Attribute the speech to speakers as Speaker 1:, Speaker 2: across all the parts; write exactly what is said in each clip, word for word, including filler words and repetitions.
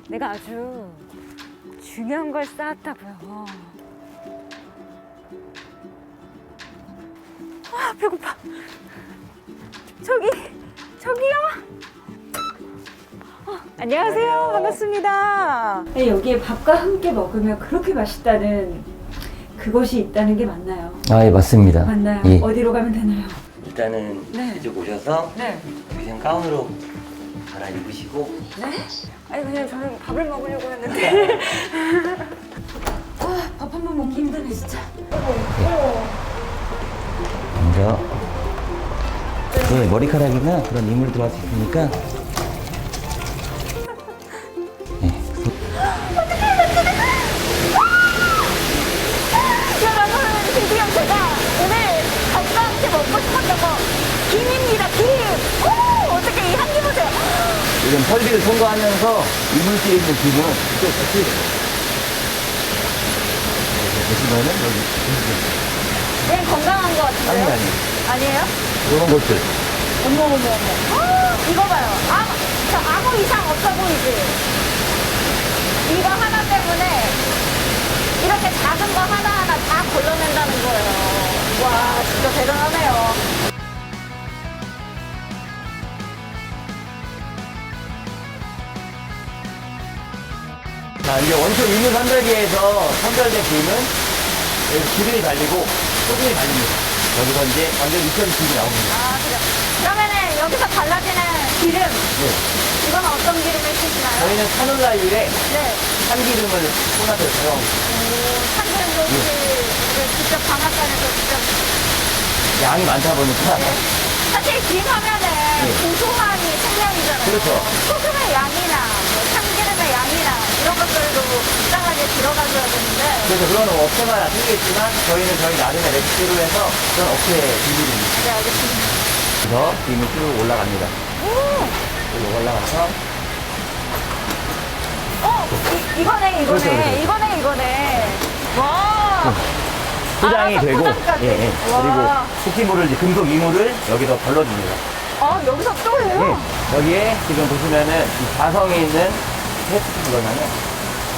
Speaker 1: 내가 아주 중요한 걸 쌓았다고요. 아, 배고파. 저기, 저기요. 어, 안녕하세요. 반갑습니다. 네, 여기에 밥과 함께 먹으면 그렇게 맛있다는 그것이 있다는 게 맞나요?
Speaker 2: 아, 예, 맞습니다.
Speaker 1: 맞나요?
Speaker 2: 예.
Speaker 1: 어디로 가면 되나요?
Speaker 2: 일단은
Speaker 1: 네.
Speaker 2: 이쪽 오셔서
Speaker 1: 네.
Speaker 2: 위생 가운으로 갈아입으시고.
Speaker 1: 네? 아니 그냥 저는 밥을 먹으려고 했는데 아, 밥 한 번 먹기 힘드네 진짜.
Speaker 2: 먼저 네, 머리카락이나 그런 이물 들어갈 수 있으니까. 네.
Speaker 1: 여러분 드디어 제가 오늘 밥과 함께 먹고 싶었던 거 김입니다. 김. 오, 어떻게 이 향기 보세요.
Speaker 2: 지금 설비를 통과하면서 이물질에 있는 김은 또 같이 보시면은 여기
Speaker 1: 그냥 건강한 거 같은데요?
Speaker 2: 아니 아니
Speaker 1: 아니에요?
Speaker 2: 이런 것들.
Speaker 1: 어머 어머 어머. 아, 이거 봐요. 아, 저 아무 이상 없어 보이지? 이거 하나 때문에 이렇게 작은 거 하나하나 다 걸러낸다는 거예요. 와, 진짜 대단하네요.
Speaker 2: 자, 이제 원초 이물 선별기에서 선별된 김은 여기 기름이 달리고 소금이 달립니다. 여기서 이제 완전 익혀진 김이 나옵니다.
Speaker 1: 아, 그래요. 그러면은 여기서 발라지는 기름,
Speaker 2: 네.
Speaker 1: 이건 어떤 기름을 쓰시나요?
Speaker 2: 저희는 카놀라유에
Speaker 1: 네.
Speaker 2: 참기름을 꽂아서 사용합니다.
Speaker 1: 오, 참기름 도시를 직접 방앗간에서 직접.
Speaker 2: 양이 많다 보니까.
Speaker 1: 네. 사실 김 하면은 고소함이 생명이잖아요.
Speaker 2: 그렇죠.
Speaker 1: 소금의 양이나 뭐 참기름의 양이나 이런 것들도 적당하게 들어가줘야 되는데.
Speaker 2: 그래서 그거는 업체마다 틀리겠지만 저희는 저희 나름의 레시피로 해서 그런 업체 비밀입니다.
Speaker 1: 네, 알겠습니다.
Speaker 2: 그래서 김이 쭉 올라갑니다.
Speaker 1: 오!
Speaker 2: 쭉 올라가서
Speaker 1: 어, 이, 이거네, 이거네,
Speaker 2: 그렇죠, 그렇죠.
Speaker 1: 이거네, 이거네. 와!
Speaker 2: 포장이
Speaker 1: 알아서
Speaker 2: 되고,
Speaker 1: 포장까지.
Speaker 2: 예, 예.
Speaker 1: 와.
Speaker 2: 그리고 흡기물을 이제 금속 이물을 여기서 걸러줍니다.
Speaker 1: 아, 여기서 또 해요?
Speaker 2: 예. 여기에 지금 보시면은 이 자성에 있는 테스트 그러면은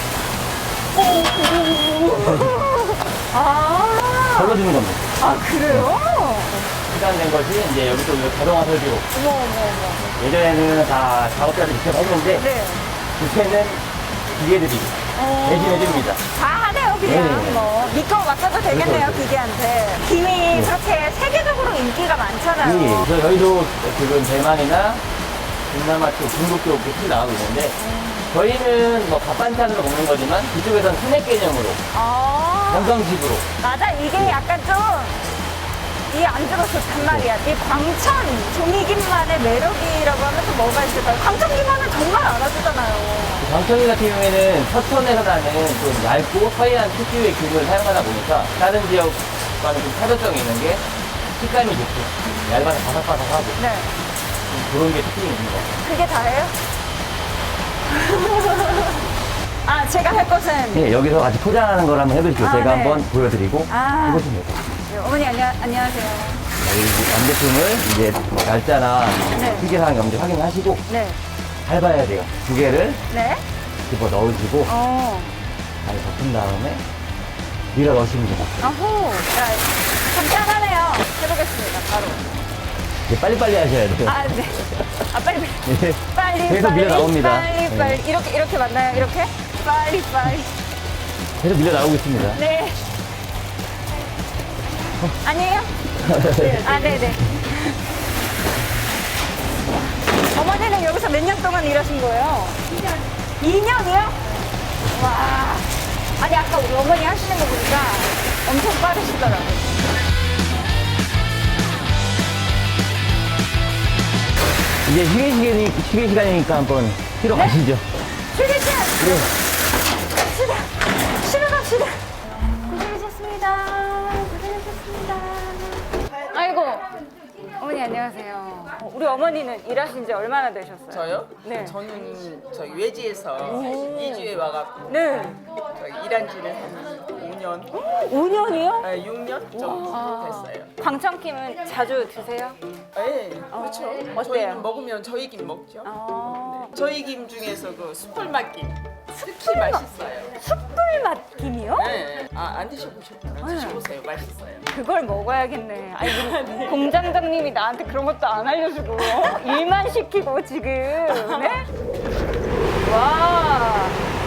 Speaker 1: 아,
Speaker 2: 걸러주는 겁니다.
Speaker 1: 아, 그래요?
Speaker 2: 시간된 것이 이제 여기서 자동화 설비로.
Speaker 1: 어머, 어머, 어머.
Speaker 2: 예전에는 다 작업자들이 직접 했는데
Speaker 1: 네.
Speaker 2: 요새는 기계들이
Speaker 1: 어.
Speaker 2: 대신해줍니다.
Speaker 1: 다 하네요, 그냥.
Speaker 2: 네네네.
Speaker 1: 뭐. 믿고 맡겨도 되겠네요,
Speaker 2: 그렇죠,
Speaker 1: 기계한테. 김이 그렇게 세계적으로 인기가 많잖아요.
Speaker 2: 예, 그래서 저희도 지금 대만이나 동남아 쪽, 중국 쪽 이렇게 나가고 있는데 저희는 뭐 밥반찬으로 먹는 거지만 이쪽에서는 스낵 개념으로
Speaker 1: 아,
Speaker 2: 건강식으로.
Speaker 1: 맞아. 이게 약간 좀, 이 안주가 좋단 말이야. 이 광천 종이김만의 매력이라고 하면서 뭐가 있을까요? 광천김만은 정말 알아주잖아요.
Speaker 2: 광천이 같은 경우에는 서천에서 나는 좀 얇고 서해안 특유의 균을 사용하다 보니까 다른 지역과는 좀 차별성이 있는 게 식감이 좋고 얇아서 바삭바삭하고
Speaker 1: 네.
Speaker 2: 그런 게 특징이 있는 것 같아요.
Speaker 1: 그게 다예요? 아, 제가 할 것은.
Speaker 2: 네, 여기서 같이 포장하는 걸 한번 해보시죠.
Speaker 1: 아,
Speaker 2: 제가
Speaker 1: 네.
Speaker 2: 한번 보여드리고
Speaker 1: 아.
Speaker 2: 해보시면 돼요.
Speaker 1: 네, 어머니 안녕, 안녕하세요.
Speaker 2: 여기 완제품을 이제 뭐 날짜나
Speaker 1: 네.
Speaker 2: 휴게사항 염지 확인하시고
Speaker 1: 네.
Speaker 2: 밟아야 돼요. 두 개를
Speaker 1: 네?
Speaker 2: 집어 넣으시고
Speaker 1: 어.
Speaker 2: 잘 덮은 다음에 밀어 넣으시면 됩니다.
Speaker 1: 아호. 자, 간단하네요. 해보겠습니다, 바로.
Speaker 2: 이제 빨리빨리 하셔야 돼요.
Speaker 1: 아, 네. 아, 빨리, 빨리.
Speaker 2: 네.
Speaker 1: 빨리,
Speaker 2: 계속
Speaker 1: 빨리.
Speaker 2: 밀어 나옵니다.
Speaker 1: 빨리, 빨리.
Speaker 2: 네.
Speaker 1: 이렇게, 이렇게 맞나요? 이렇게? 빨리, 빨리.
Speaker 2: 계속 밀려 나오고 있습니다.
Speaker 1: 네. 아니에요? 아, 네네. 어머니는 여기서 몇 년 동안 일하신 거예요? 이 년. 이 년이요? 와. 아니, 아까 우리 어머니 하시는 거 보니까 엄청 빠르시더라고요.
Speaker 2: 이제 휴게 시간이, 휴게 시간이니까 한번 쉬러
Speaker 1: 네?
Speaker 2: 가시죠.
Speaker 1: 휴게 시간!
Speaker 2: 네.
Speaker 1: 갑시다. 쉬러 갑시다. 고생하셨습니다. 고생하셨습니다. 아이고. 어머니 안녕하세요. 어, 우리 어머니는 일하신 지 얼마나 되셨어요?
Speaker 3: 저요?
Speaker 1: 네.
Speaker 3: 저는 저희 외지에서 이주에 와갖고
Speaker 1: 네.
Speaker 3: 저희 일한 지는 한 오 년,
Speaker 1: 오 년이요?
Speaker 3: 아, 육 년 정도
Speaker 1: 아.
Speaker 3: 됐어요.
Speaker 1: 광천김은 자주 드세요?
Speaker 3: 네, 그렇죠.
Speaker 1: 어때요?
Speaker 3: 저희는 먹으면 저희 김 먹죠.
Speaker 1: 아,
Speaker 3: 저희 김 중에서 그 숯불맛 김 특히 맛있어요.
Speaker 1: 숯불맛 김이요?
Speaker 3: 네. 아, 안 드셔보셨구나. 드셔보세요. 맛있어요.
Speaker 1: 그걸 먹어야겠네. 아니, 우리 공장장님이 나한테 그런 것도 안 알려주고 일만 시키고 지금. 네? 와.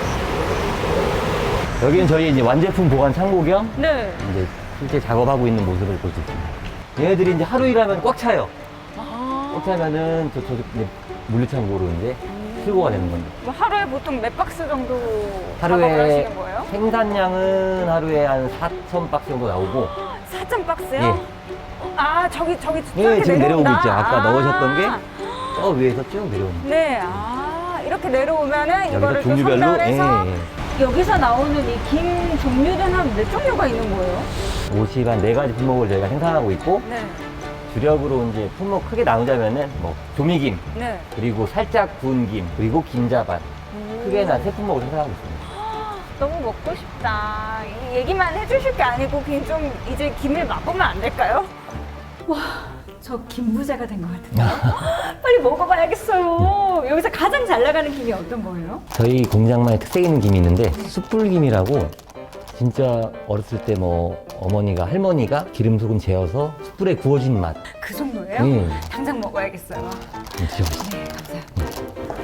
Speaker 2: 여기는 저희 이제 완제품 보관 창고 겸
Speaker 1: 네.
Speaker 2: 이제 실제 작업하고 있는 모습을 볼 수 있습니다. 얘네들이 이제 하루 일하면 꽉 차요.
Speaker 1: 아.
Speaker 2: 꽉 차면은 저, 저 이제 물류창고로 이제 출고가 되는 겁니다.
Speaker 1: 뭐 하루에 보통 몇 박스 정도 작업을
Speaker 2: 하루에
Speaker 1: 하시는 거예요?
Speaker 2: 생산량은 하루에 한 사천 박스 정도 나오고
Speaker 1: 사천 박스요?
Speaker 2: 예.
Speaker 1: 아, 저기, 저기,
Speaker 2: 예,
Speaker 1: 저렇게
Speaker 2: 지금 내려오고
Speaker 1: 내려온다.
Speaker 2: 있죠. 아까
Speaker 1: 아.
Speaker 2: 넣으셨던 게 저 위에서 쭉 내려옵니다.
Speaker 1: 네, 아, 이렇게 내려오면은 이거를 또
Speaker 2: 종류별로,
Speaker 1: 선별해서
Speaker 2: 예, 예.
Speaker 1: 여기서 나오는 이 김 종류는 한 몇 종류가 있는 거예요?
Speaker 2: 옷이 한 네 가지 품목을 저희가 생산하고 있고
Speaker 1: 네,
Speaker 2: 주력으로 이제 품목 크게 나누자면은 뭐 조미김,
Speaker 1: 네.
Speaker 2: 그리고 살짝 구운 김, 그리고 김자반 크게는 한 세 품목을 생산하고 있습니다.
Speaker 1: 너무 먹고 싶다. 이 얘기만 해주실 게 아니고 그냥 좀 이제 김을 맛보면 안 될까요? 와, 저 김부자가 된 것 같은데요? 빨리 먹어봐야겠어요. 여기서 가장 잘 나가는 김이 어떤 거예요?
Speaker 2: 저희 공장만의 특색 있는 김이 있는데 숯불김이라고 진짜 어렸을 때 뭐 어머니가 할머니가 기름 소금 재어서 숯불에 구워진 맛.
Speaker 1: 그 정도예요?
Speaker 2: 음.
Speaker 1: 당장 먹어야겠어요.
Speaker 2: 좀 드셔보세요.
Speaker 1: 네, 감사합니다.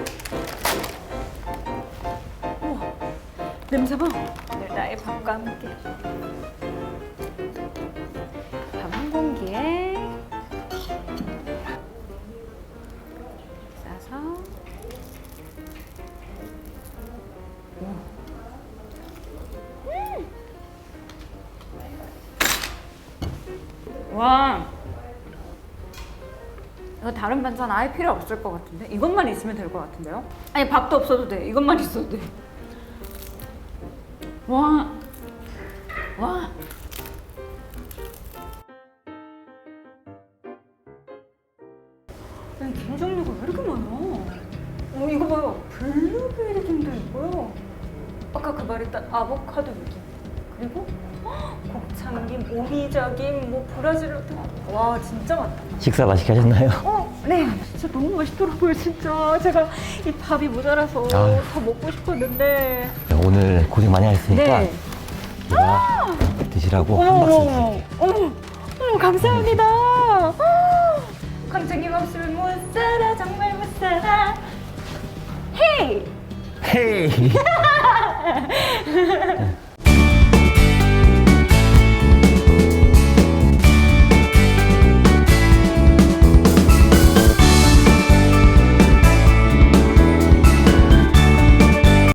Speaker 1: 우와, 냄새 봐. 오늘 나의 밥과 함께. 밥 한 공기에 싸서. 음. 와. 이거 다른 반찬 아예 필요 없을 것 같은데? 이것만 있으면 될 것 같은데요? 아니 밥도 없어도 돼. 이것만 있어도 돼. 와. 와. 아니, 김 종류가 왜 이렇게 많아? 어, 이거 봐요. 블루베리 김도 있고요. 아까 그 말했던 아보카도 김. 그리고 헉, 곱창김, 오미자김, 뭐 브라질로트. 와, 진짜 많다.
Speaker 2: 식사 맛있게 하셨나요?
Speaker 1: 어, 네. 진짜 너무 맛있더라고요, 진짜. 제가 이 밥이 모자라서
Speaker 2: 아유.
Speaker 1: 더 먹고 싶었는데.
Speaker 2: 오늘 고생 많이 하셨으니까
Speaker 1: 네.
Speaker 2: 제가 드시라고
Speaker 1: 어머,
Speaker 2: 한 박스
Speaker 1: 어머,
Speaker 2: 드릴게요.
Speaker 1: 어머, 어머, 감사합니다. 강정님 없으면 못 살아, 정말 못 살아. 헤이!
Speaker 2: 헤이!